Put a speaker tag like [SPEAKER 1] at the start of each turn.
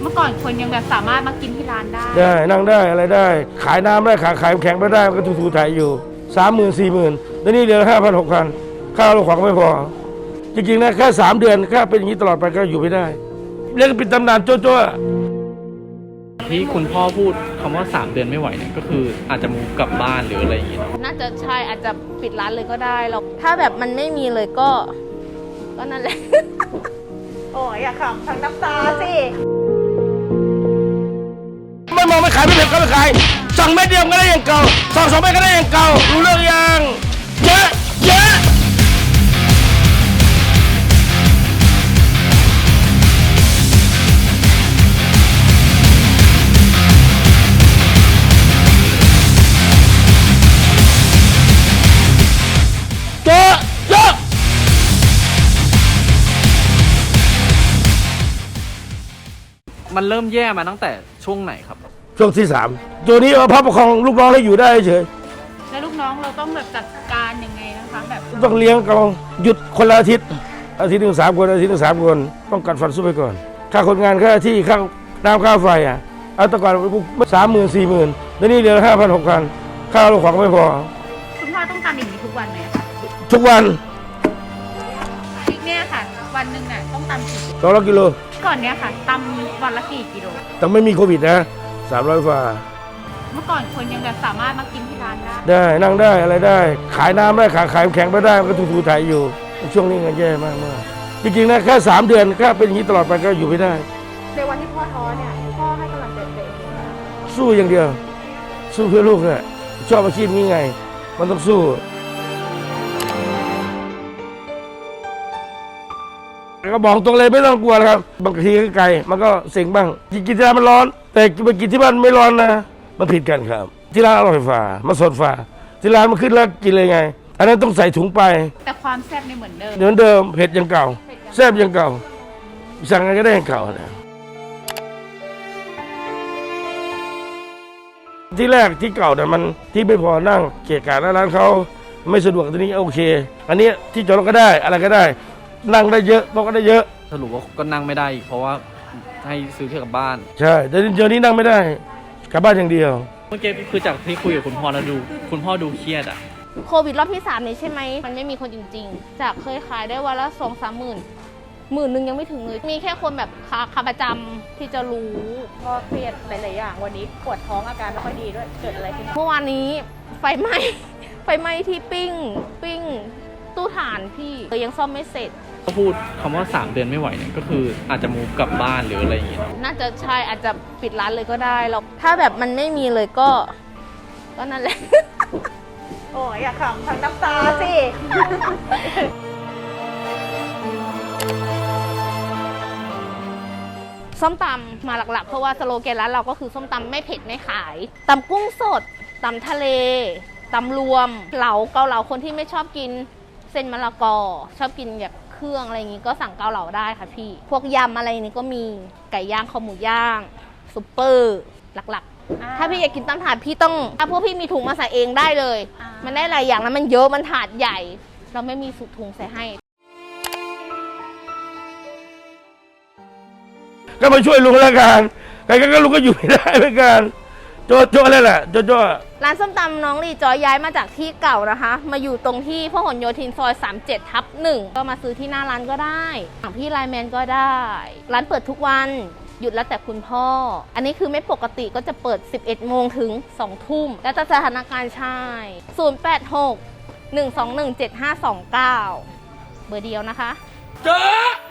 [SPEAKER 1] เมื่อก่อนคนยังแบบสามารถมากินที่ร้านได้
[SPEAKER 2] นั่งได้อะไรได้ขายน้ำได้ขายแข็งไปได้มันก็ถูๆถ่ายอยู่30,000 40,000แล้วนี่เหลือ5,000 6,000ข้าวเราของไม่พอจริงๆนะแค่3 เดือนถ้าเป็นอย่างนี้ตลอดไปก็อยู่ไม่ได้เรียกปิดตำนานโจ้ๆ
[SPEAKER 3] ที่คุณพ่อพูดคำว่า3 เดือนไม่ไหวเนี่ยก็คืออาจจะมูฟกลับบ้านหรืออะไรอย่างเงี้ย
[SPEAKER 4] น่าจะใช่อาจจะปิดร้านเลยก็ได้เราถ้าแบบมันไม่มีเลยก็นั่นแหละ
[SPEAKER 1] โอ้ยอย่าขำทั้งน้ำตาสิ
[SPEAKER 2] ไม่มองไม่ขายไม่เผ็ดก็ไม่ขายสั่งเม็ดเดียวก็ได้อย่างเก่าสั่ง2 เม็ดก็ได้อย่างเก่ารู้เรื่องยังเยอะ
[SPEAKER 3] มันเริ่มแย่มาตั้งแต่ช่วงไหนครับ
[SPEAKER 2] ช่วงที่3ตัวนี้พระประคองลูกน้องให้อยู่ได้เฉย
[SPEAKER 1] แล้วลูกน้องเราต้องแบบจัดการยังไงนะคะแบบ
[SPEAKER 2] ต้องเลี้ยงเขาหยุดคนละอาทิตย์หนึ่ง3 คนอาทิตย์หนึ่ง3 คนต้องกัดฟันสู้ไปก่อนค่าคนงานค่าที่ค่าน้ำค่าไฟเอาแต่ก่อน30,000 40,000แล้วนี่เหลือ5,000 6,000ข้าวเราของไม่พอ
[SPEAKER 1] คุณพ่อต้องทำอย่างนี้ทุกวันไหมคะ
[SPEAKER 2] ทุกวัน
[SPEAKER 1] เนี่ยค่ะวันหนึ่งน่ะต้องตำกี่
[SPEAKER 2] 200 กิโล
[SPEAKER 1] ก่อนเนี้ยค่ะตำวันละกี่กิโล
[SPEAKER 2] แต่ไม่มีโควิดนะ300 ฝ่า
[SPEAKER 1] เมื่อก่อนคนยังแบบสามารถมากินที่ร้านได้
[SPEAKER 2] นั่งได้อะไรได้ขายน้ำได้ขายแข็งไปได้มันก็ถูๆถ่ายอยู่ช่วงนี้เงินแย่มากจริงๆนะแค่3 เดือนถ้าเป็นอย่างนี้ตลอดไปก็อยู่ไม่ได้
[SPEAKER 1] ในวันที่พ่อท้อเนี่ยพ่อให้กำลังใจตัวเอง
[SPEAKER 2] สู้อย่างเดียวสู้เพื่อลูกเนี่ยชอบอาชีพนี้ไงมันต้องสู้ก็บอกตรงเลยไม่ต้องกลัวนะครับบางทีก็ไกลมันก็เสี่ยงบ้างกินที่ร้านมันร้อนแต่ไปกินที่บ้านไม่ร้อนนะมันผิดกันครับที่ร้านอร่อยฝ่ามันสดฝ่าที่ร้านมันขึ้นแล้วกินเลยไงอันนั้นต้องใส่ถุงไป
[SPEAKER 1] แต่ความแซ่บในเหมือนเดิม
[SPEAKER 2] เผ็ดยังเก่าแซ่บยังเก่าสั่งอะไรก็ได้ยังเก่านะที่แรกที่เก่าเนี่ยมันที่ไม่พอนั่งเกะกะร้านเขาไม่สะดวกทีนี้โอเคอันนี้ที่จอดรถก็ได้อะไรก็ได้นั่งได้เยอะบอกก็ได้เยอะ
[SPEAKER 3] สรุปว่าก็นั่งไม่ได้อีกเพราะว่าให้ซื้อแค่กลับบ้าน
[SPEAKER 2] ใช่แต่เดี๋ยวนี้นั่งไม่ได้กลับบ้านอย่างเดียว
[SPEAKER 3] เมื่อกี้คือจากที่คุยกับคุณพ่อแล้วคุณพ่อดูเครียด
[SPEAKER 4] โควิดรอบที่3นี้ใช่ไหมมันไม่มีคนจริงๆจากเคยขายได้วันละ2-3 หมื่น10,000ยังไม่ถึงเลยมีแค่คนแบบขาประจำที่จะรู้
[SPEAKER 1] พ่อเครียดหลายๆอย่างวันนี้ปวดท้องอาการไม่ค่อยดีด้วยเกิดอะไรขึ้น
[SPEAKER 4] เมื่อวานนี้ไฟไหม้ที่ปิ้งตู้ถ่านพี่ยังซ่อมไม่เสร็จ
[SPEAKER 3] ก็พูดคำว่า3 เดือนไม่ไหวเนี่ยก็คืออาจจะมูฟกลับบ้านหรืออะไรอย่างเงี้ย
[SPEAKER 4] น่าจะใช่อาจจะปิดร้านเลยก็ได้เราถ้าแบบมันไม่มีเลยก็นั่นแหละ
[SPEAKER 1] โอ้ยอย่าขำทั้งน้ำตาสิ
[SPEAKER 4] ส้มตำมาหลักๆเพราะว่าสโลแกนร้านเราก็คือส้มตำไม่เผ็ดไม่ขายตำกุ้งสดตำทะเลตำรวมเหลาเกาเหลาคนที่ไม่ชอบกินเส้นมะละกอชอบกินแบบเครื่องอะไรอย่างนี้ก็สั่งเกาเหลาได้ค่ะพี่พวกยำอะไรนี้ก็มีไก่ย่างคอหมูย่างซุปเปอร์หลักๆถ้าพี่อยากกินตำถาดพี่ต้องถ้าพวกพี่มีถุงมาใส่เองได้เลยมันได้หลายอย่างแล้วมันเยอะมันถาดใหญ่เราไม่มีสุถุงใส่ให้
[SPEAKER 2] ก็มาช่วยลุงแล้วกันใครก็ลุงก็อยู่ไม่ได้เหมือนกันโจ้อะไรแหละโจ้
[SPEAKER 4] ร้านส้มตำน้องลีจอยย้ายมาจากที่เก่านะคะมาอยู่ตรงที่พหลโยธินซอย37/1ก็มาซื้อที่หน้าร้านก็ได้สั่งพี่ไลน์แมนก็ได้ร้านเปิดทุกวันหยุดแล้วแต่คุณพ่ออันนี้คือไม่ปกติก็จะเปิด 11 โมงถึง 2 ทุ่มแล้วแต่สถานการณ์ใช่086 121 7529เบอร์เดียวนะคะ
[SPEAKER 2] เจ้า